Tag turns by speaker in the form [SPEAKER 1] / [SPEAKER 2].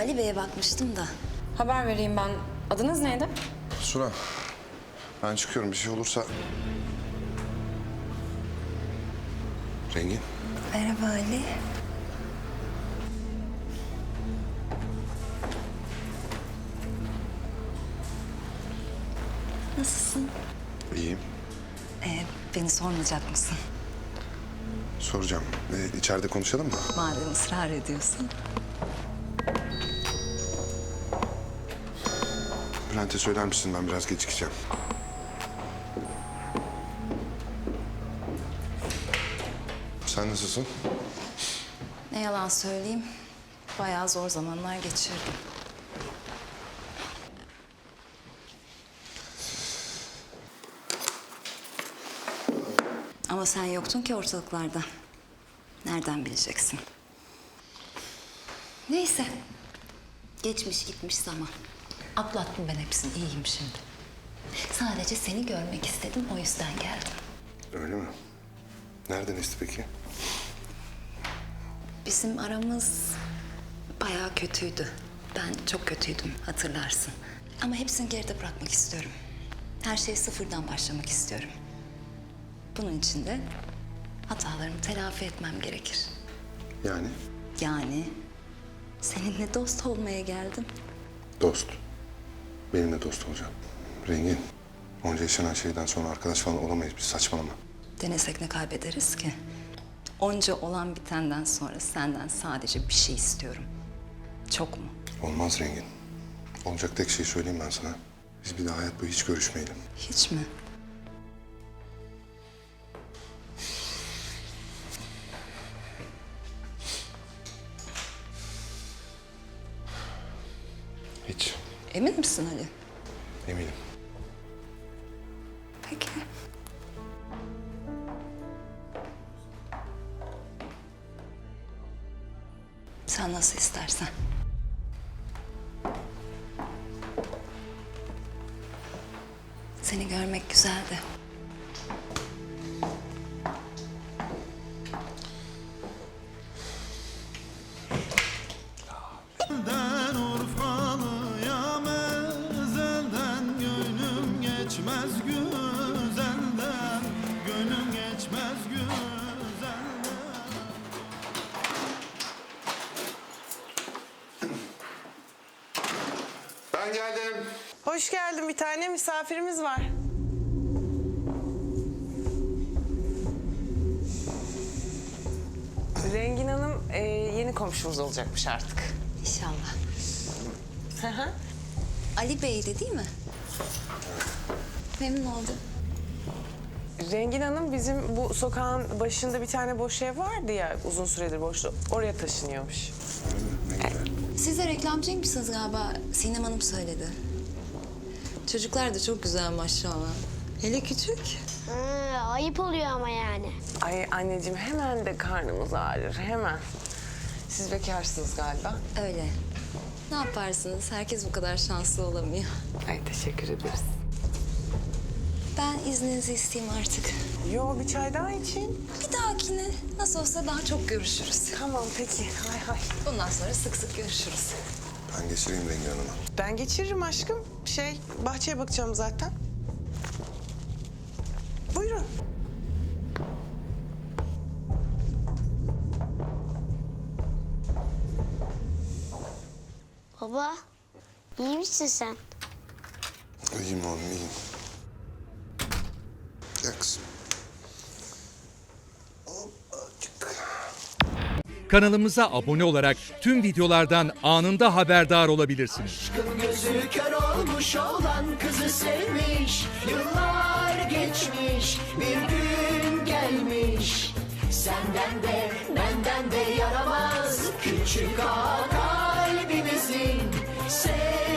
[SPEAKER 1] Ali Bey'e bakmıştım da.
[SPEAKER 2] Haber vereyim ben. Adınız neydi?
[SPEAKER 3] Suna, ben çıkıyorum. Bir şey olursa... Rengin,
[SPEAKER 1] Merhaba Ali. Nasılsın?
[SPEAKER 3] iyiyim.
[SPEAKER 1] Beni sormayacak mısın?
[SPEAKER 3] Soracağım. İçeride konuşalım mı?
[SPEAKER 1] Madem ısrar ediyorsun.
[SPEAKER 3] Bülent'e söyler misin? Ben biraz gecikeceğim. Sen nasılsın?
[SPEAKER 1] Ne yalan söyleyeyim, bayağı zor zamanlar geçirdim. Ama sen yoktun ki ortalıklarda. Nereden bileceksin? Neyse. Geçmiş gitmiş zaman. Atlattım ben hepsini, iyiyim şimdi. Sadece seni görmek istedim, o yüzden geldim.
[SPEAKER 3] Öyle mi? Nereden esti peki?
[SPEAKER 1] Bizim aramız bayağı kötüydü. Ben çok kötüydüm, hatırlarsın. Ama hepsini geride bırakmak istiyorum. Her şeyi sıfırdan başlamak istiyorum. Bunun için de hatalarımı telafi etmem gerekir.
[SPEAKER 3] Yani?
[SPEAKER 1] Yani seninle dost olmaya geldim.
[SPEAKER 3] Dost. Benimle dost olacaksın. Rengin, onca yaşanan şeyden sonra arkadaş falan olamayız biz. Saçmalama.
[SPEAKER 1] Denesek ne kaybederiz ki? Onca olan bitenden sonra senden sadece bir şey istiyorum. Çok mu?
[SPEAKER 3] Olmaz Rengin. Olacak tek şeyi söyleyeyim ben sana. Biz bir daha hayat boyu hiç görüşmeyelim.
[SPEAKER 1] Hiç mi?
[SPEAKER 3] Hiç.
[SPEAKER 1] Emin misin Ali?
[SPEAKER 3] Eminim.
[SPEAKER 1] Peki. Sen nasıl istersen. Seni görmek güzeldi.
[SPEAKER 4] Elden Urfalı'ya mezelden gönlüm geçmez güzelden, gönlüm geçmez güzelden.
[SPEAKER 3] Ben geldim.
[SPEAKER 5] Hoş geldin bir tane misafirimiz var. Rengin Hanım yeni komşumuz olacakmış artık.
[SPEAKER 1] İnşallah.
[SPEAKER 5] Hı hı.
[SPEAKER 1] Ali Bey'di değil mi? Memnun oldum.
[SPEAKER 5] Rengin Hanım bizim bu sokağın başında bir tane boş ev vardı ya uzun süredir boştu. Oraya taşınıyormuş.
[SPEAKER 3] Ne güzel.
[SPEAKER 1] Siz de reklamcıymışsınız galiba. Sinem Hanım söyledi. Çocuklar da çok güzel maşallah. Hele küçük.
[SPEAKER 6] Ayıp oluyor ama yani.
[SPEAKER 5] Ay anneciğim hemen de karnımız ağrır hemen. Siz bekarsınız galiba.
[SPEAKER 1] Öyle. Ne yaparsınız? Herkes bu kadar şanslı olamıyor.
[SPEAKER 5] Ay teşekkür ederiz.
[SPEAKER 1] Ben izninizi isteyeyim artık.
[SPEAKER 5] Yo bir çay daha için.
[SPEAKER 1] Bir dahakine nasıl olsa daha çok görüşürüz.
[SPEAKER 5] Tamam peki hay hay.
[SPEAKER 1] Bundan sonra sık sık görüşürüz.
[SPEAKER 3] Ben geçireyim Rengin Hanım'a.
[SPEAKER 5] Ben geçiririm aşkım. Bahçeye bakacağım zaten. Buyurun.
[SPEAKER 6] Baba, iyi misin sen?
[SPEAKER 3] İyiyim oğlum, iyiyim. Gel kızım. Hoppa, çıktık.
[SPEAKER 7] Kanalımıza abone olarak tüm videolardan anında haberdar olabilirsiniz.
[SPEAKER 8] Aşkın gözü kör olmuş olan kızı sevmiş. Yıllar geçmiş, bir gün gelmiş. Senden de benden de yaramaz küçük ağa kalbimizin.